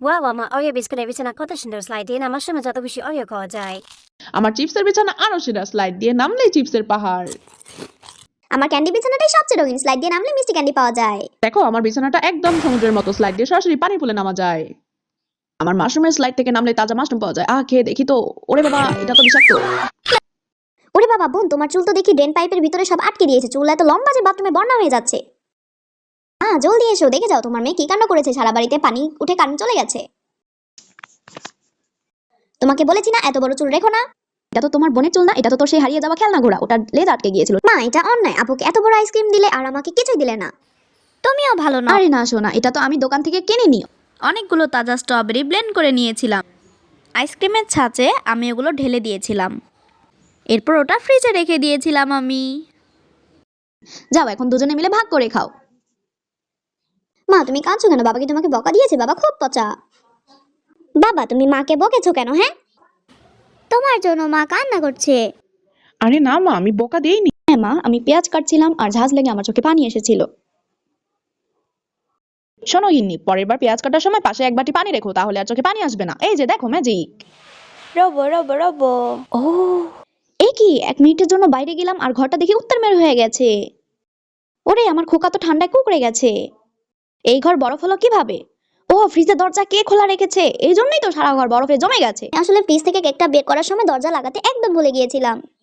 Wow, আমার Oreo বিস্কুটের বিছানা কত সুন্দর স্লাইড দিয়ে নামার সময় যত বেশি অরিও খাওয়া যায়। আমার চিপসের বিছানা আরো সেরা, স্লাইড দিয়ে নামলেই চিপসের পাহাড়। আমার ক্যান্ডি বিছানাটাই সবচেয়ে রঙিন, স্লাইড দিয়ে নামলে মিষ্টি ক্যান্ডি পাওয়া যায়। দেখো আমার বিছানাটা একদম সমুদ্রের মতো, স্লাইড দিয়ে সরাসরি পানি পুলে নামা যায়। আমার মাশরুমের স্লাইড থেকে নামলে তাজা মাশরুম পাওয়া যায়। খেয়ে দেখি তো। ওরে বাবা, এটা তো বিষাক্ত। ওরে বাবা বোন, তোমার চুল তো দেখি ড্রেন পাইপের ভিতরে সব আটকে দিয়েছে, চুল এত লম্বা যে বাথরুমে বন্যা হয়ে যাচ্ছে। জলদি এসো, দেখে যাও তোমার মেয়ে কি কাণ্ড করেছে, সারা বাড়িতে পানি উঠে কারেন্ট চলে গেছে। তোমাকে বলেছি না এত বড় চুল রেখো না। এটা তো তোমার বোনের চুল না, এটা তো তোর সেই হারিয়ে যাওয়া খেলনা ঘোড়া, ওটার লেজ আটকে গিয়েছিল। মা এটা অন্যায়, আপুকে এত বড় আইসক্রিম দিলে আর আমাকে কিছুই দিলে না। তুমিও ভালো না। আরে না শোনা, এটা তো আমি দোকান থেকে কিনে নিও। অনেকগুলো তাজা স্ট্রবেরি ব্লেন্ড করে নিয়েছিলাম। আইসক্রিমের ছাঁচে আমি ওগুলো ঢেলে দিয়েছিলাম, এরপর ওটা ফ্রিজে রেখে দিয়েছিলাম আমি। যাও এখন দুজনে মিলে ভাগ করে খাও। মা তুমি কাঁদছো কেন? বাবা কি তোমাকে বকা দিয়েছে? বাবা খুব পচা। বাবা তুমি মাকে বকেছো কেন? হ্যাঁ, তোমার জন্য মা কান্না করছে। আরে না মা, আমি বোকা দেইনি। হ্যাঁ মা, আমি পেঁয়াজ কাটছিলাম আর ঝাঁজ লেগে আমার চোখে পানি এসেছিল। শোনো গিন্নি, পরের বার পেঁয়াজ কাটার সময় পাশে এক বাটি পানি রেখো, তাহলে আর চোখে পানি আসবে না। এই যে দেখো ম্যাজিক। রবো রবো রবো। ও এ কি, 1 মিনিটের জন্য বাইরে গেলাম আর ঘরটা দেখি উত্তর মেরু হয়ে গেছে। ওরে আমার খোকা তো ঠান্ডায় কুকড়ে গেছে। এই ঘর বরফ হলো কিভাবে? ফ্রিজের দরজা কে খোলা রেখেছে? এই জন্যই তো সারা ঘর বরফে জমে গেছে। আসলে ফ্রিজ থেকে কেকটা বের করার সময় দরজা লাগাতে একদম ভুলে গিয়েছিলাম।